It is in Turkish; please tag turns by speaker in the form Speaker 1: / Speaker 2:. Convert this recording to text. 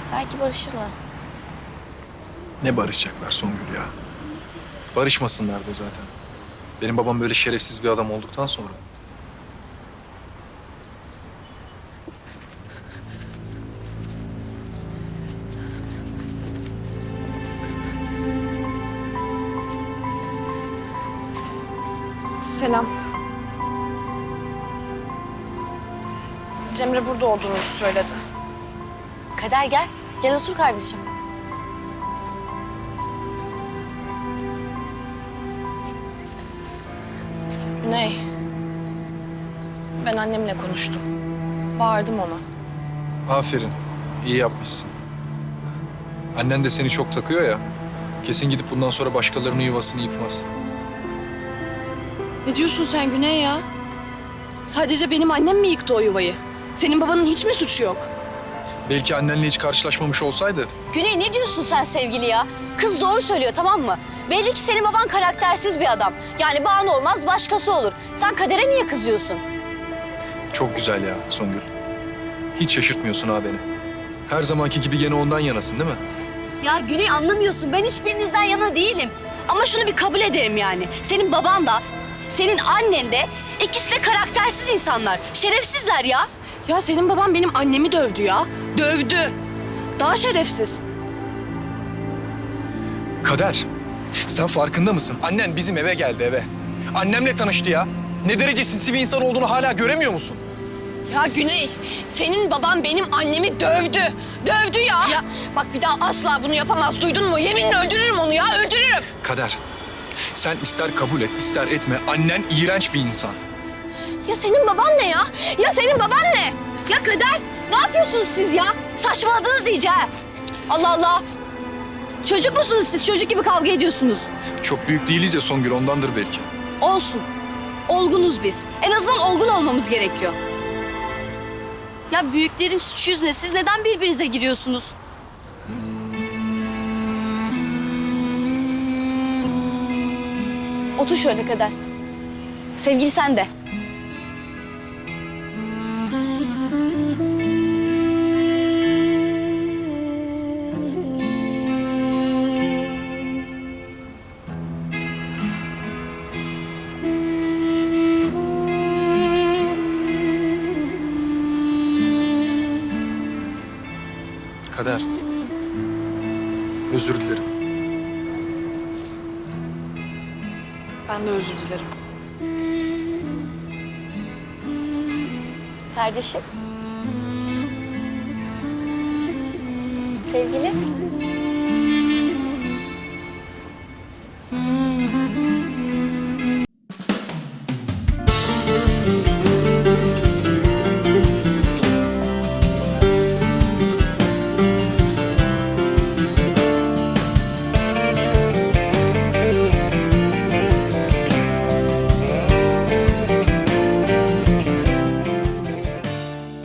Speaker 1: Belki barışırlar.
Speaker 2: Ne barışacaklar Songül ya? Barışmasınlar da zaten. Benim babam böyle şerefsiz bir adam olduktan sonra.
Speaker 3: Selam. Cemre burada olduğunuzu söyledi.
Speaker 1: Kader gel. Gel otur kardeşim.
Speaker 3: Güney. Ben annemle konuştum. Bağırdım ona.
Speaker 2: Aferin, iyi yapmışsın. Annen de seni çok takıyor ya. Kesin gidip bundan sonra başkalarının yuvasını yıkmaz.
Speaker 3: Ne diyorsun sen Güney ya? Sadece benim annem mi yıktı o yuvayı? Senin babanın hiç mi suçu yok?
Speaker 2: Belki annenle hiç karşılaşmamış olsaydı.
Speaker 1: Güney ne diyorsun sen sevgili ya? Kız doğru söylüyor tamam mı? Belli ki senin baban karaktersiz bir adam. Yani Banu olmaz başkası olur. Sen Kader'e niye kızıyorsun?
Speaker 2: Çok güzel ya Songül. Hiç şaşırtmıyorsun ha beni. Her zamanki gibi gene ondan yanasın değil mi?
Speaker 1: Ya Güney anlamıyorsun. Ben hiçbirinizden yana değilim. Ama şunu bir kabul edelim yani. Senin baban da, senin annen de ikisi de karaktersiz insanlar. Şerefsizler ya.
Speaker 3: Ya senin baban benim annemi dövdü ya. Dövdü. Daha şerefsiz.
Speaker 2: Kader, sen farkında mısın? Annen bizim eve geldi eve. Annemle tanıştı ya. Ne derece sinsi bir insan olduğunu hala göremiyor musun?
Speaker 3: Ya Güney, senin baban benim annemi dövdü. Dövdü ya. Bak bir daha asla bunu yapamaz. Duydun mu? Yeminle öldürürüm onu ya, öldürürüm.
Speaker 2: Kader, sen ister kabul et, ister etme. Annen iğrenç bir insan.
Speaker 3: Ya senin baban ne ya? Ya senin baban ne?
Speaker 1: Ya Kader, ne yapıyorsunuz siz ya? Saçmaladınız iyice ha. Allah Allah. Çocuk musunuz siz? Çocuk gibi kavga ediyorsunuz.
Speaker 2: Çok büyük değiliz ya Songül, ondandır belki.
Speaker 1: Olsun. Olgunuz biz. En azından olgun olmamız gerekiyor. Ya büyüklerin suçu yüzüne siz neden birbirinize giriyorsunuz? Otur şöyle Kader. Sevgili sen de.
Speaker 2: Kader, özür dilerim.
Speaker 3: Ben de özür dilerim.
Speaker 1: Kardeşim. Sevgili.